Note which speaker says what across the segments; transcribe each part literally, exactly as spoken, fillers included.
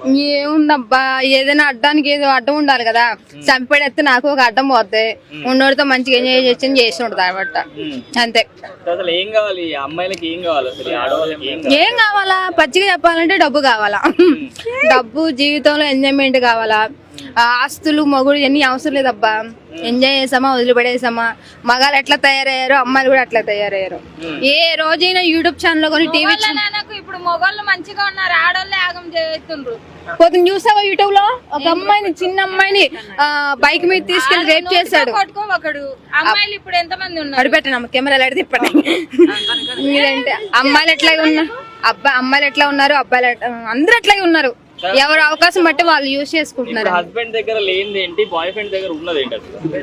Speaker 1: ఏముందబ్బా ఏదైనా అడ్డానికి ఏదో అడ్డం ఉండాలి కదా. చంపేడెత్తే నాకు ఒక అడ్డం పోద్ది, ఉన్నోడితో మంచిగా ఎంజాయ్ చేసి చేసి ఉంటుంది అనమాట. అంతే.
Speaker 2: ఏం కావాలి అమ్మాయిలకి, ఏం కావాలి
Speaker 1: ఏం కావాలా? పచ్చిగా చెప్పాలంటే డబ్బు కావాలా. డబ్బు, జీవితంలో ఎంజాయ్మెంట్ కావాలా. ఆస్తులు, మొగుడు ఇవన్నీ అవసరం లేదబ్బా. ఎంజాయ్ చేసామా, వదిలిపడేసామా. మగాళ్ళు ఎట్లా తయారయ్యారో అమ్మాయిలు కూడా అట్లా తయారయ్యారు. ఏ రోజైనా యూట్యూబ్ ఛానల్ కొని టీవీ
Speaker 3: ఇప్పుడు మొగోళ్ళు మంచిగా ఉన్నారు, ఆడోళ్ళే ఆగం చేస్తుండ్రు.
Speaker 1: పోతే చూసావా యూట్యూబ్ లో ఒక అమ్మాయిని, చిన్న అమ్మాయిని బైక్ మీద తీసుకెళ్లి రేప్ చేశాడు.
Speaker 3: ఒకడు అమ్మాయిలు ఇప్పుడు ఎంత మంది ఉన్నారు?
Speaker 1: అడిపెట్టాను కెమెరాలు అడిగి తిప్పండి. మీరంటే అమ్మాయిలు ఎట్లాగే ఉన్నారు, అబ్బాయి అమ్మాయిలు ఎట్లా ఉన్నారు, అబ్బాయిలు అందరూ అట్లాగే ఉన్నారు. ఎవరు అవకాశం బట్టి వాళ్ళు యూజ్ చేసుకుంటున్నారు.
Speaker 2: హస్బెండ్ దగ్గర లేనిది ఏంటి, బాయ్ ఫ్రెండ్ దగ్గర ఉన్నది ఏంటి?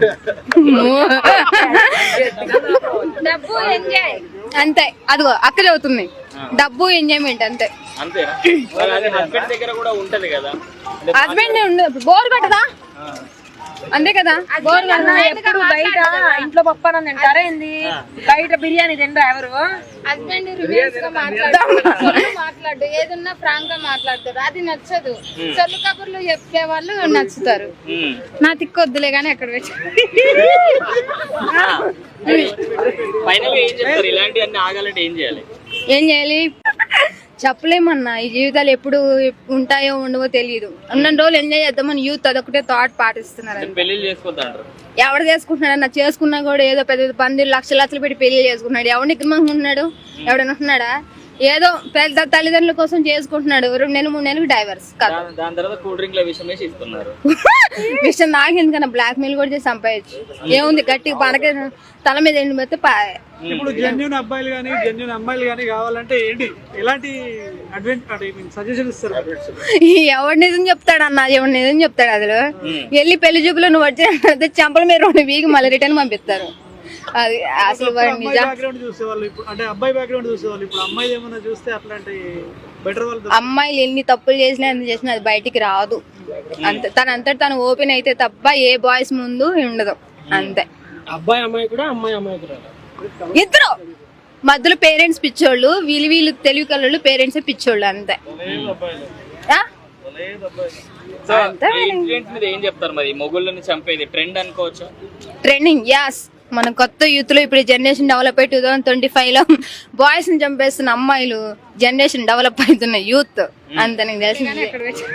Speaker 3: డబ్బు, ఎంజాయ్.
Speaker 1: అంతే. అదిగో అక్కడే అవుతుంది. డబ్బు, ఎంజాయ్మెంట్ అంతే.
Speaker 2: అంతేనా? హస్బెండ్ దగ్గర కూడా ఉంటది కదా.
Speaker 1: హస్బెండ్ ఉండదు, బోర్ కట్టదా? అంతే కదా. బోర్ కట్టదా?
Speaker 3: ఎప్పుడు బయట ఇంట్లో పప్పాన తింటారా ఏంది? బయట బిర్యానీ తింటారా ఎవరు? హస్బెండ్ రివ్యూస్ గా మాట్లాడు మాట్లాడు ఏదన్నా ఫ్రాంక్ గా మాట్లాడతారు, అది నచ్చదు. చల్లు కబుర్లు చెప్పే వాళ్ళు నచ్చుతారు. నా తిక్కొద్దులే గానీ ఎక్కడ పెట్టి
Speaker 2: ఫైనల్ ఏం చెప్తారు? ఇలాంటివన్నీ ఆగాలంటే ఏం చేయాలి?
Speaker 1: ఏం చేయాలి చెప్పలేమన్నా. ఈ జీవితాలు ఎప్పుడు ఉంటాయో ఉండవో తెలియదు. ఉన్న రోజులు ఎంజాయ్ చేద్దామని యూత్ అదొకటే థాట్ పాటిస్తున్నారు.
Speaker 2: పెళ్లి చేసుకోవద్దంటారు.
Speaker 1: ఎవడు చేసుకుంటున్నాడు అన్న? చేసుకున్నా కూడా ఏదో పెద్ద పంది లక్షల లక్షలు పెట్టి పెళ్లి చేసుకుంటున్నాడు. ఎవరిని ఇక్కడున్నాడు? ఎవడైనా ఉంటున్నాడా? ఏదో పెద్ద తల్లిదండ్రుల కోసం చేసుకుంటున్నాడు. రెండు నెలలు మూడు నెలలకు డైవర్స్.
Speaker 2: దాని తర్వాత కూల్ డ్రింక్ లో విషయం వేసి ఇస్తున్నారు.
Speaker 1: విషయం నాకు ఎందుకన్నా బ్లాక్ మెయిల్ కూడా చేసి సంపాదించు. ఏముంది గట్టిగా పనక తల మీద ఎండి పెడితే
Speaker 4: ఇప్పుడు జెన్యూన్ అబ్బాయిలు కానీ జెన్యూన్ అమ్మాయిలు కానీ కావాలంటే ఏంటి, ఎలాంటి సజెషన్ ఇస్తారు?
Speaker 1: ఎవడు నిజం చెప్తాడు అన్న, ఎవడు నిజం చెప్తాడు? అసలు వెళ్ళి పెళ్లి చూపులో నువ్వు వచ్చి చంపల మీద రెండు వీక్ మళ్ళీ రిటర్న్ పంపిస్తారు. అది అసలు
Speaker 4: బ్యాక్గ్రౌండ్ చూసేవాళ్ళు ఇప్పుడు, అంటే అబ్బాయి బ్యాక్గ్రౌండ్ చూసేవాళ్ళు ఇప్పుడు అమ్మాయి ఏమన్నా చూస్తే అట్లాంటి బెటర్ వాళ్ళు.
Speaker 1: అమ్మాయిలు ఎన్ని తప్పులు చేసినా ఎంత చేసినా అది బయటికి రాదు. అంతే. తన అంతటి తను ఓపెన్ అయితే తప్ప ఏ బాయ్స్ ముందు ఉండదు. అంతే.
Speaker 4: అబ్బాయి అమ్మాయి కూడా, అమ్మాయి అమ్మాయి కూడా
Speaker 1: ఇద్దరు మధ్యలో పేరెంట్స్ పిచ్చోళ్ళు, వీళ్ళు వీళ్ళు తెలివి కళ్ళు పేరెంట్స్ పిచ్చోళ్ళు. అంతే.
Speaker 2: ఏం చెప్తారు మరి? మొగుళ్ళని చంపేది ట్రెండ్ అనుకోవచ్చు.
Speaker 1: Trending as. మన కొత్త యూత్ లో ఇప్పుడు జనరేషన్ డెవలప్ అయ్యి టూ థౌసండ్ ట్వంటీ ఫైవ్ లో బాయ్స్ ని చంపేస్తున్న అమ్మాయిలు జనరేషన్ డెవలప్ అవుతున్న యూత్. అంతే. నీకు తెలిసింది.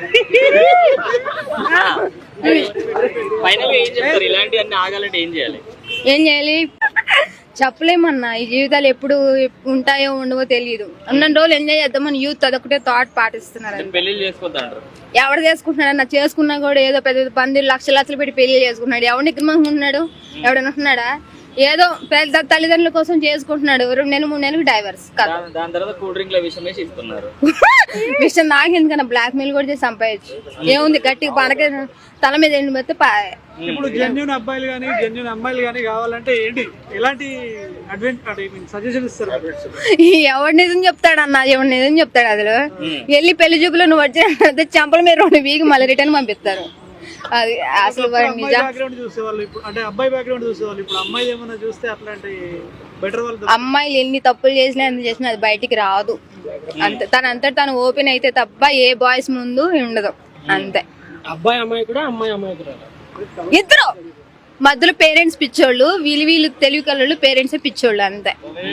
Speaker 2: ఫైనల్ ఏం చెప్తారు? ఇలాంటివన్నీ ఆగాలంటే ఏం చేయాలి?
Speaker 1: ఏం చేయాలి చెప్పలేమన్నా. ఈ జీవితాలు ఎప్పుడు ఉంటాయో ఉండవో తెలియదు. ఉన్న రోజులు ఎంజాయ్ చేద్దామని యూత్ అదొకటే థాట్ పాటిస్తున్నారు.
Speaker 2: పెళ్లి చేసుకోవద్దంటారు.
Speaker 1: ఎవడు చేసుకుంటున్నాడు అన్న? చేసుకున్నా కూడా ఏదో పెద్ద పంది లక్షల లక్షలు పెట్టి పెళ్లి చేసుకుంటున్నాడు. ఎవరిని ఇక్కడ ఉంటున్నాడు? ఎవడైనా ఉంటున్నాడా? ఏదో పెద్ద తల్లిదండ్రుల కోసం చేసుకుంటున్నాడు. రెండు నెలలు మూడు నెలలకు డైవర్స్.
Speaker 2: దాని తర్వాత కూల్ డ్రింక్ లో విషయం వేసి ఇస్తున్నారు.
Speaker 1: విషయం నాకు ఎందుకన్నా బ్లాక్ మెయిల్ కూడా చేసి సంపాదించు. ఏముంది గట్టిగా పనక తల మీద ఎండి పెడితే
Speaker 4: ఇప్పుడు జెన్యూన్ అబ్బాయిలు కానీ జెన్యూన్ అమ్మాయిలు కానీ కావాలంటే ఏంటి, ఎలాంటి సజెషన్ ఇస్తారు?
Speaker 1: ఎవడు నిజం చెప్తాడు అన్న, ఎవడు నిజం చెప్తాడు? అసలు వెళ్ళి పెళ్లి చూపులో నువ్వు వచ్చి చంపల మీద రెండు వీక్ మళ్ళీ రిటర్న్ పంపిస్తారు. అది అసలు
Speaker 4: బ్యాక్గ్రౌండ్ చూసేవాళ్ళు ఇప్పుడు, అంటే అబ్బాయి బ్యాక్గ్రౌండ్ చూసేవాళ్ళు ఇప్పుడు అమ్మాయి ఏమన్నా చూస్తే అట్లాంటి బెటర్ వాళ్ళు.
Speaker 1: అమ్మాయిలు ఎన్ని తప్పులు చేసినా ఎంత చేసినా అది బయటికి రాదు. అంతే. తన అంతటి తను ఓపెన్ అయితే తప్ప ఏ బాయ్స్ ముందు ఉండదు. అంతే.
Speaker 4: అబ్బాయి అమ్మాయి కూడా, అమ్మాయి అమ్మాయి కూడా
Speaker 1: ఇద్దరు మధ్యలో పేరెంట్స్ పిచ్చోళ్ళు, వీళ్ళు వీళ్ళు తెలివి కళ్ళు పేరెంట్స్ పిచ్చోళ్ళు. అంతే.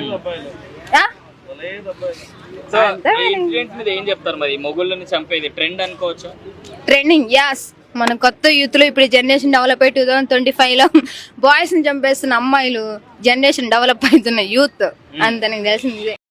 Speaker 2: ఏం చెప్తారు మరి? మొగుళ్ళని చంపేది ట్రెండ్ అనుకోవచ్చు.
Speaker 1: Trending as. మన కొత్త యూత్ లో ఇప్పుడు జనరేషన్ డెవలప్ అయ్యి టూ థౌసండ్ ట్వంటీ ఫైవ్ లో బాయ్స్ ని చంపేస్తున్న అమ్మాయిలు జనరేషన్ డెవలప్ అవుతున్న యూత్. అంతే. నీకు తెలిసింది.